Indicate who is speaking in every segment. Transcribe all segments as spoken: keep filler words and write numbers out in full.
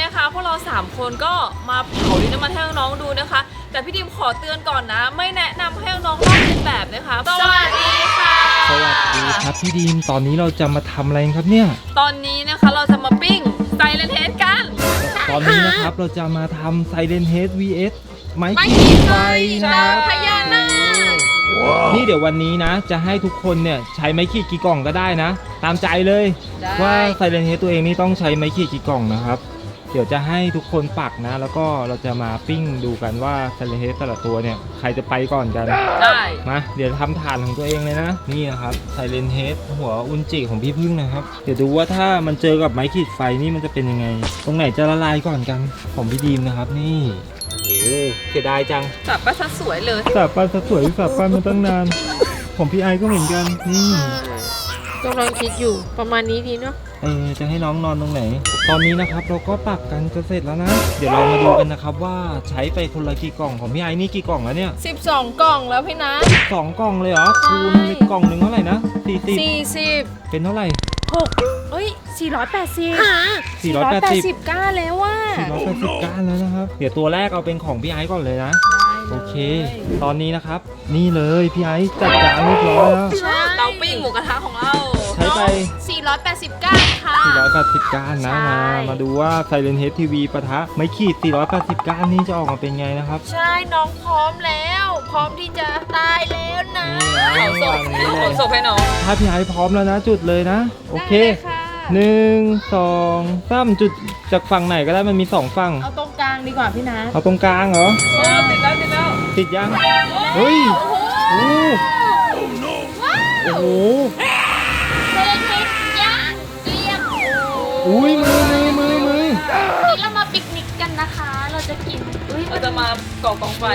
Speaker 1: นะคะพวกเราสามคนก็มาเผาดินน้ำมันให้น้องๆดูนะคะแต่พี่ดิมขอเตือนก่อนนะไม่แนะนำให้น้องๆลอกเลียนแบบนะคะสวัสดีค่ะ
Speaker 2: สวัสดีครับพี่ดีมตอนนี้เราจะมาทำอะไรครับเนี่ย
Speaker 1: ตอนนี้นะคะเราจะมาปิ้งไซเลนเฮดกัน
Speaker 2: ตอนนี้นะครับเราจะมาทำไซเลนเฮด วี เอส ไม้ขีดไฟนะครับ
Speaker 1: พญานาค
Speaker 2: นี่เดี๋ยววันนี้นะจะให้ทุกคนเนี่ยใช้ไม้ขีดกี่กล่องก็ได้นะตามใจเลยว่าไซเลนเฮดตัวเองนี่ต้องใช้ไม้ขีดกี่กล่องนะครับเดี๋ยวจะให้ทุกคนปักนะแล้วก็เราจะมาปิ้งดูกันว่าไซเลนเฮดแต่ละตัวเนี่ยใครจะไปก่อนกัน
Speaker 1: ได้
Speaker 2: มาเดี๋ยวทำฐานของตัวเองเลยนะนี่นะครับไซเลนเฮดหัวอุนจิของพี่พึ่งนะครับเดี๋ยวดูว่าถ้ามันเจอกับไม้ขีดไฟนี่มันจะเป็นยังไงตรงไหนจะละลายก่อนกันของพี่ดีมนะครับนี่โอ้เสียดายจัง
Speaker 1: สับปะซะสวยเลย
Speaker 2: สับปะซะสวยสับปะมาตั้งนานของพี่ไอก็เหมือนกันนี่
Speaker 3: กำลังคิดอยู่ประมาณนี้ดีเนาะ
Speaker 2: เออจะให้น้องนอนตรงไหนตอนนี้นะครับเราก็ปักกันจะเสร็จแล้วนะเดี๋ยวเรามาดูกันนะครับว่าใช้ไปคนละกี่กล่องของพี่ไอนี่กี่กล่องแล้วเนี่ย
Speaker 3: สิบสองกล่องแล้วพี่นะ
Speaker 2: สองกล่องเลยเหรอคูณกล่องหนึ่งเท่าไหร่นะสี่สิบ
Speaker 3: สี่สิบ
Speaker 2: เป็นเท่าไหร่
Speaker 3: หกเอ้ยสี่ร้อยแปดสิบ
Speaker 2: สี่ร้อยแปดสิบ
Speaker 3: ก้าแล้วว่า
Speaker 2: สี่ร้อยแปดสิบก้าแล้วนะครับเดี๋ยวตัวแรกเอาเป็นของพี่ไอก่อนเลยนะโอเคตอนนี้นะครับนี่เลยพี่ไอจัดจานเรียบร้อยแล้ว
Speaker 1: เตาปิ้งหมูกระทะของเรา
Speaker 2: ใช้ไป
Speaker 3: สี่ร้อยแปดสิบก้าค่ะ
Speaker 2: สี่ร้อยแปดสิบก้านนะมามาดูว่า Silent Head ที วี ปะทะไม้ขีดสี่ร้อยแปดสิบก้านนี่จะออกมาเป็นไงนะครับ
Speaker 3: ใช่น้องพร้อมแล้วพร้อมที่จะตายแล้วนะ
Speaker 1: เผาศพเผาศพให้น้อง
Speaker 2: ถ้าพี่ไอพร้อมแล้วนะจุดเลยนะโอเคหนึ่งสองสามจุดจากฝั่งไหนก็ได้มันมีสองฝั่ง
Speaker 3: เอาตรงกลางดีกว่าพี่นะ
Speaker 2: เอาตรงกลางเหรอ
Speaker 1: ติดแล้วติดแล้ว
Speaker 2: ติดยังเฮ้ยโอ้โอ้โห
Speaker 3: เซนเฮดย่างเกลี้ยง
Speaker 2: อุ้ยมือมือมือมือ
Speaker 3: นี่เรามาปิกนิกกันนะคะเราจะกิน
Speaker 1: เราจะมาก่อกองไฟ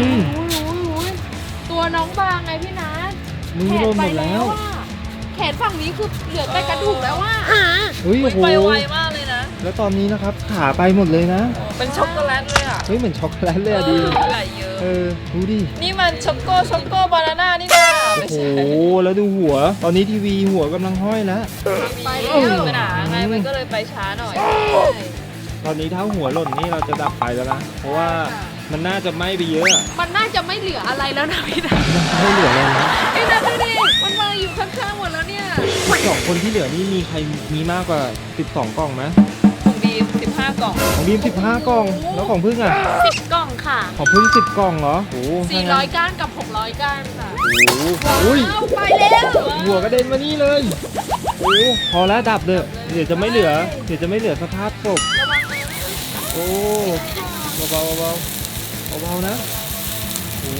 Speaker 3: ตัวน้องบางไงพี่นัท
Speaker 2: มือโดนหมดแล้ว
Speaker 3: แขนฝั่งนี้คือเหลือแต่กระดูกแล้วว่า
Speaker 2: เฮ้ยโอ้โห
Speaker 1: ไปไวมากเลยนะ
Speaker 2: แล้วตอนนี้นะครับขาไปหมดเลยนะ
Speaker 1: เป็นช็อกโกแลตเลยอ่ะ
Speaker 2: เฮ้ยเหมือนช็อกโกแลตเลยอ่ะดี
Speaker 1: ไหลเยอะ
Speaker 2: เออดูดิ
Speaker 1: นี่มันช็อกโกช็อกโกบานาน่านี่นะ
Speaker 2: โอ้โหแล้วดูหัวตอนนี้ทีวีหัวกำลังห้อยแล้ว
Speaker 1: ไปแล้วไปหนาไงมันก็เลยไปช้าหน่อย
Speaker 2: ตอนนี้ถ้าหัวหล่นนี่เราจะดับไฟแล้วนะเพราะว่ามันน่าจะไหม้ไปเยอะ
Speaker 3: มันน่าจะไม่เหลืออะไรแล้วนะพี่นัท
Speaker 2: ไม่เหลือเลยนะ
Speaker 3: พี่นัทดูดิมันมาอยู่ข้างๆหมดแล้วเนี่ย
Speaker 2: สองคนที่เหลือนี่มีใครมีมากกว่าสิบสองกล่องไหม
Speaker 1: ของบีมสิบห้ากล่อง
Speaker 2: ของบีมสิบห้ากล่องแล้วของพึ่งอ่ะ
Speaker 3: สิบกล่องค่ะ
Speaker 2: ของพึ่งสิบกล่องเหรอโอ้
Speaker 3: สี่ร้อยก้านกับหกร้อยก้านค่ะ
Speaker 2: โอ้อุ้ย
Speaker 3: ไปแล้ว
Speaker 2: หัวกระเด็นมานี่เลยโอ้พอแล้วดับเลยเดี๋ยวจะไม่เหลือเดี๋ยวจะไม่เหลือสภาพศพโอ้เบาๆเบาๆเบาๆนะโอ้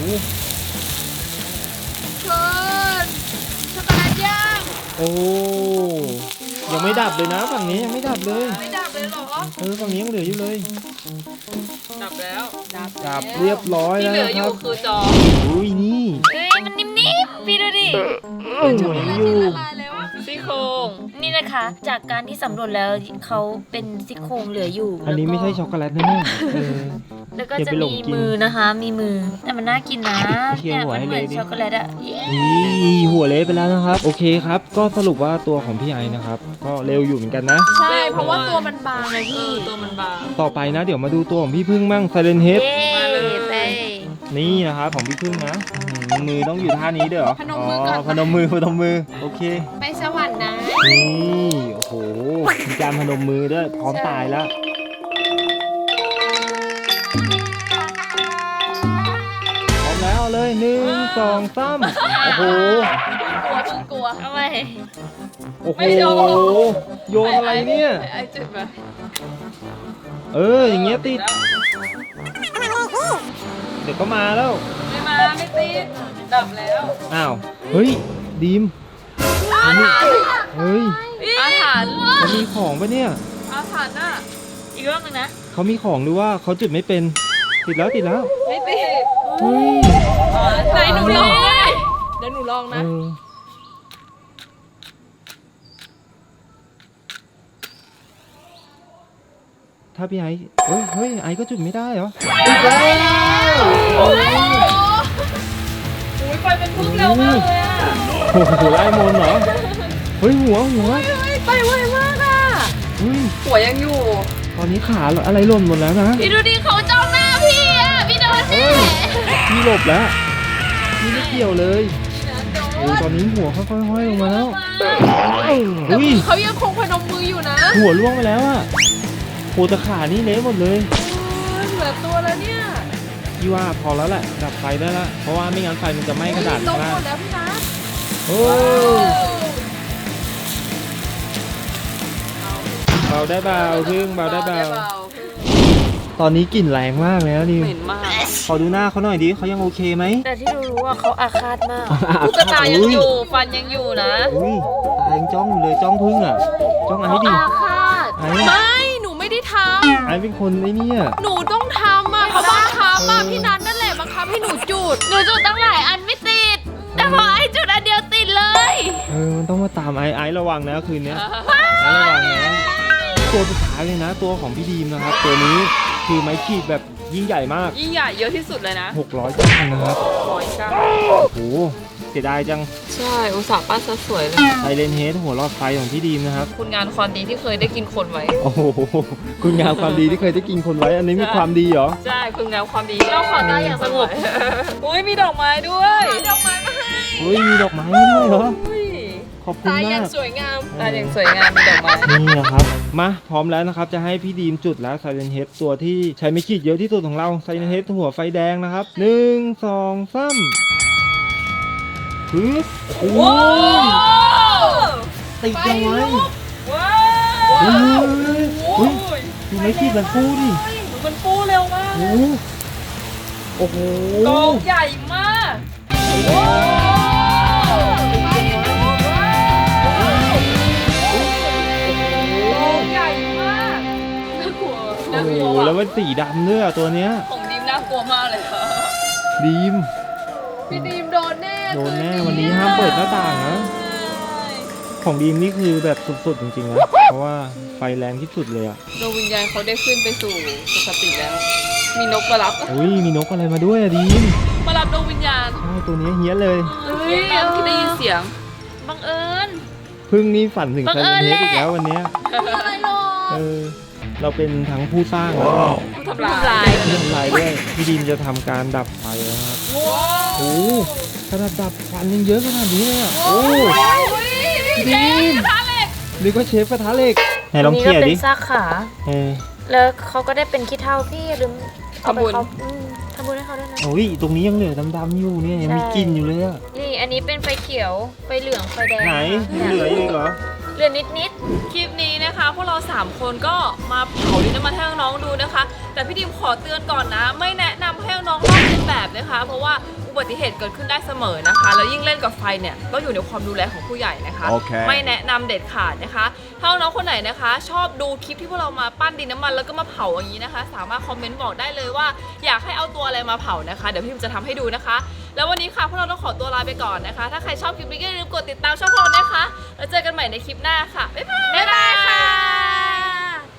Speaker 3: เกินช็อกโกแลตย่าง
Speaker 2: โอ้ยังไม่ดับเลยนะฝั่งนี้ยังไม่ดับเลย
Speaker 1: ไม่ดับเลยหรอ
Speaker 2: เออฝั่งนี้ยังเหลืออยู่เลย
Speaker 1: ดับแล้ว
Speaker 2: ดับเรียบร้อยแล้ว
Speaker 1: ที่เหลืออยู่คือจอ
Speaker 2: อุ้ยนี่
Speaker 3: เฮ้ยมันนิ่มๆพี่ดูดิ
Speaker 2: เหมือนอยู่
Speaker 1: ซี่โครง
Speaker 3: นี่นะคะจากการที่สำรวจแล้วเขาเป็นซี่โครงเหลืออยู่
Speaker 2: อันนี้ไม่ใช่ช็อกโกแลตนะเนี่ย
Speaker 3: แล้วก็จะมีมือนะคะมีมือแต่มันน่ากินนะเนี่ยมันเหมือนช็อกโกแลตอะ
Speaker 2: นี่หัวเละไปแล้วนะครับโอเคครับก็สรุปว่าตัวของพี่ไอนะครับก็เร็วอยู่เหมือนกันนะ
Speaker 3: ใช่เพราะว่าตัวมันบางเลยพี่
Speaker 1: ตัวมันบาง
Speaker 2: ต่อไปนะเดี๋ยวมาดูตัวของพี่พึ่งมั่ง Silent Head
Speaker 1: มาเลย
Speaker 2: นี่นะครับของพี่พึ่งนะมือต้องอยู่ท่านี้เด้อ
Speaker 3: พนมมือก่อน
Speaker 2: พนมมือพนมมือโอเค
Speaker 3: ไปสวรรค์นะ
Speaker 2: นี่โอ้โหมีการพนมมือด้วยพร้อมตายแล้วพร้อมแล้วเลยหนึ่งสองสามโอ้โห
Speaker 1: กลัวกลัว
Speaker 3: ทำไม
Speaker 2: โอ้โหโยนอะไรเนี่ย
Speaker 1: ไอจุดมา
Speaker 2: เอออย่างเงี้ยติดเดี๋ยวก็มาแล้ว
Speaker 1: ไม่มาไม่ติดดับแล้ว
Speaker 2: อ้าวเฮ้ยดีม
Speaker 1: อาถรรพ์
Speaker 2: เฮ้ย
Speaker 1: อาถรรพ์
Speaker 2: เขามีของปะเนี่ย
Speaker 1: อาถรรพ์อ่ะ
Speaker 3: อีกรอบนึงนะ
Speaker 2: เขามีของหรือว่าเขาจุดไม่เป็นติดแล้วติดแล้ว
Speaker 1: ไม่ติด
Speaker 2: เฮ้ย
Speaker 3: ไหนหนูลองเลยเดี๋ยวหนูลองนะ
Speaker 2: ถ้าพี่ไอ้เฮ้ยเฮ้ยไอ้ก็จุดไม่ได้เหรอ
Speaker 1: จุดได้แล้วโอ้ยไฟเป็นพุ่งเร็วมากเลยอ่ะ
Speaker 2: โอ้โหไล่มนเหรอเฮ้ยหัวหัว
Speaker 3: ไปไวมากอ่ะ
Speaker 1: หัวยังอยู่
Speaker 2: ตอนนี้ขาอะไรหล่นหมดแล้วนะ
Speaker 3: พี่ดูดิเขาจ้องหน้าพี่อ่ะพี่โดนแน่
Speaker 2: พี่หลบแล้วพี่ไม่เกี่ยวเลยโอ้ตอนนี้หัวค่อยๆห้อยลงมาแล้วอุ้ย
Speaker 1: เขายังคงพนมมืออยู่นะ
Speaker 2: หัวล่วงไปแล้วอะโคตรขานี่เละหมดเลย
Speaker 1: เหลือตัวแล้วเนี่ย
Speaker 2: พี่ว่าพอแล้วแหละดับไฟได้ละเพราะว่าไม่งั้นไฟมันจะไหม้กระดาษ
Speaker 1: ลง
Speaker 2: มาก
Speaker 1: หมดแล้วพี่นัท
Speaker 2: โอ้เบาได้เบาพึ่งเบาได้เบาตอนนี้กลิ่นแรงมากเลยนะดิ
Speaker 1: เหม็นมาก
Speaker 2: ขอดูหน้าเขาหน่อยดิเขายังโอเคไหม
Speaker 3: แต่ที่รู้ว่าเขาอาฆาตมาก
Speaker 1: ตุ๊กตายังอยู่ ฟันยังอยู่นะ
Speaker 2: อุ้ยตายังจ้องอยู่เลยจ้องพึ่งอ่ะจ้องไอ้ดิ
Speaker 3: อาฆาต
Speaker 2: ไอ้
Speaker 1: ไม่ หนูไม่ได้ท
Speaker 2: ไอ้เป็นคนไอ้เนี่ย
Speaker 1: ำ หนูต้องทำอ่ะเขาบังคับอ่ะพี่นัทนั่นแหละบังคับให้หนูจุด
Speaker 3: หนูจุดตั้งหลายอันไม่ติด แต่พอไอ้จุดอันเดียวติดเลย
Speaker 2: เออมันต้องมาตามไอ้ไอ้ระวังนะคืนนี้ไอ้ระวังนะตัวสุดท้ายเลยนะ ตัวของพี่ดีมนะครับตัวนี้คือไม้ขีดแบบยิ่งใหญ่มาก
Speaker 1: ยิ่งใหญ่เยอะที่สุดเลยนะ
Speaker 2: หกร้อยก้านนะครับ
Speaker 1: ร้อยก้า
Speaker 2: โอ้โหเสียดายจัง
Speaker 1: ใช่ อุตส่าห์ปั้นซะสวยเลย
Speaker 2: ไซเรนเฮดหัวรอดไฟของพี่ดีมนะครับ
Speaker 1: คุณงานความดีที่เคยได้กินคนไว้
Speaker 2: โอ้โหคุณงามความดีที่เคยได้กินคนไว้อันนี้มีความดีเหรอ
Speaker 1: ใช่ คุณงามความดี
Speaker 3: เราขอตายอย่างสงบ
Speaker 1: อุ้ยมีดอกไม้ด้วยดอกไม้มาให้
Speaker 2: เฮ้ยมีดอกไม้ให้ด้วยเหรอ
Speaker 1: อุ้ย
Speaker 2: ขอบคุณ
Speaker 1: ตายอ
Speaker 2: มา
Speaker 1: ย่าง
Speaker 2: ก
Speaker 1: สวยงามตายอย่างสวยงามมีดอกไม้
Speaker 2: นี่นะครับมาพร้อมแล้วนะครับจะให้พี่ดีมจุดแล้วไซเรนเฮดตัวที่ใช้ไม่ขีดเยอะที่สุดของเราไซเรนเฮดหัวไฟแดงนะครับหนึ่งสองสามปึ๊บโอ้
Speaker 1: ว้า
Speaker 2: ยว ติดเอาไว้
Speaker 1: ว้า
Speaker 2: เฮ้ยว เฮ้ย
Speaker 1: โอ้ย
Speaker 2: ดูไม่ขีดมันฟูดิ
Speaker 1: มันฟูเร็วมาก
Speaker 2: โอ้โหโอ้โห
Speaker 1: กองใหญ่มากว้าวไปดูว้าวกองใหญ่มากน่ากลัว
Speaker 2: โอ้
Speaker 1: น่าก
Speaker 2: โห
Speaker 1: ลัว
Speaker 2: แล้ว
Speaker 1: ว่ะ
Speaker 2: มันสีดำด้วยอะตัวเนี้ย
Speaker 1: ของดีมน่ากลัวมากเลยค่ะ
Speaker 2: ดีม
Speaker 1: พี่ดีมโดนแน่
Speaker 2: โดนแน่วันนี้ห้ามเปิดหน้าต่างนะ ของดีมนี่คือแบบสุดๆจริงๆนะเพราะว่าไฟแรงที่สุดเลยอะ
Speaker 1: ดวงวิญญาณเขาได้ขึ้นไปสู่สุคติแล้ว มีนกมารับ
Speaker 2: อุ้ยมีนกอะไรมาด้วยอะดีม
Speaker 1: มารับดวงวิญญาณ
Speaker 2: ใช่ตัวนี้เฮี้ยนเลย
Speaker 1: เฮ้ยที่ได้ยินเสียง
Speaker 3: บังเอิญ
Speaker 2: พึ่งนี่ฝันถึง
Speaker 3: บัง
Speaker 2: ไซ
Speaker 3: เอิ
Speaker 2: เร
Speaker 3: ญ
Speaker 2: นเฮดอีก
Speaker 3: แหละ
Speaker 2: แล้ววันเนี้ย
Speaker 3: อะไรหรอ
Speaker 2: เออเราเป็นทั้งผู้สร้างแล้วก็
Speaker 1: ผู้ทำลาย
Speaker 2: ผู้ทำลายด้วยพี่ดีมจะทำการดับไฟแล้วครับ
Speaker 1: ว้าว
Speaker 2: โอ้ขนาดดับควันยังเยอะขนาดนี้เลยอะโอ้
Speaker 1: พี่ดีมกระทะเหล็ก
Speaker 2: นึกว่าเชฟกระทะเหล็กไหนลอง
Speaker 3: นี่
Speaker 2: เคลี
Speaker 3: ก็
Speaker 2: ยร์
Speaker 3: เป็
Speaker 2: ดิ
Speaker 3: นซากขา
Speaker 2: เออ
Speaker 3: แล้วเขาก็ได้เป็นขี้เถ้าพี่อย่าลืมเอาไป
Speaker 1: ทำบุญ
Speaker 3: เขาอืมทำบุญให้เขาด้วยนะ
Speaker 2: โอ้ยตรงนี้ยังเหลือดำๆอยู่เนี่ยยังมี
Speaker 3: ใช่
Speaker 2: กลิ่นอยู่เลยอะ
Speaker 3: นี่อันนี้เป็นไฟเขียว ไฟเหลือง ไฟแดง
Speaker 2: ไหน
Speaker 3: เนี่ย
Speaker 2: เหลืออีกเหรอ
Speaker 3: เหลือนิดนิด
Speaker 1: คลิปนี้นะคะพวกเราสามคนก็มาเผาดินน้ำมันให้น้องๆดูนะคะ แต่พี่ดิมขอเตือนก่อนนะ ไม่แนะนำให้น้องๆลอกเลียนแบบนะคะ เพราะว่าอุบัติเหตุเกิดขึ้นได้เสมอนะคะ แล้วยิ่งเล่นกับไฟเนี่ยต้องอยู่ในความดูแลของผู้ใหญ่นะคะ
Speaker 2: โอเค
Speaker 1: ไม่แนะนำเด็ดขาดนะคะถ้าน้องๆคนไหนนะคะ ชอบดูคลิปที่พวกเรามาปั้นดินน้ำมันแล้วก็มาเผาอย่างนี้นะคะ สามารถคอมเมนต์บอกได้เลยว่าอยากให้เอาตัวอะไรมาเผานะคะเดี๋ยวพี่ดิมจะทำให้ดูนะคะ แล้ววันนี้ค่ะพวกเราต้องขอตัวลาไปก่อนนะคะ ถ้าใครชอบคลิปนี้ก็อย่าลืมกดติดตามช่องเรานะคะแล้วเจอกันใหม่ในคลิปหน้าค่ะบ๊ายบาย
Speaker 3: ๆบ๊ายบายค่ะ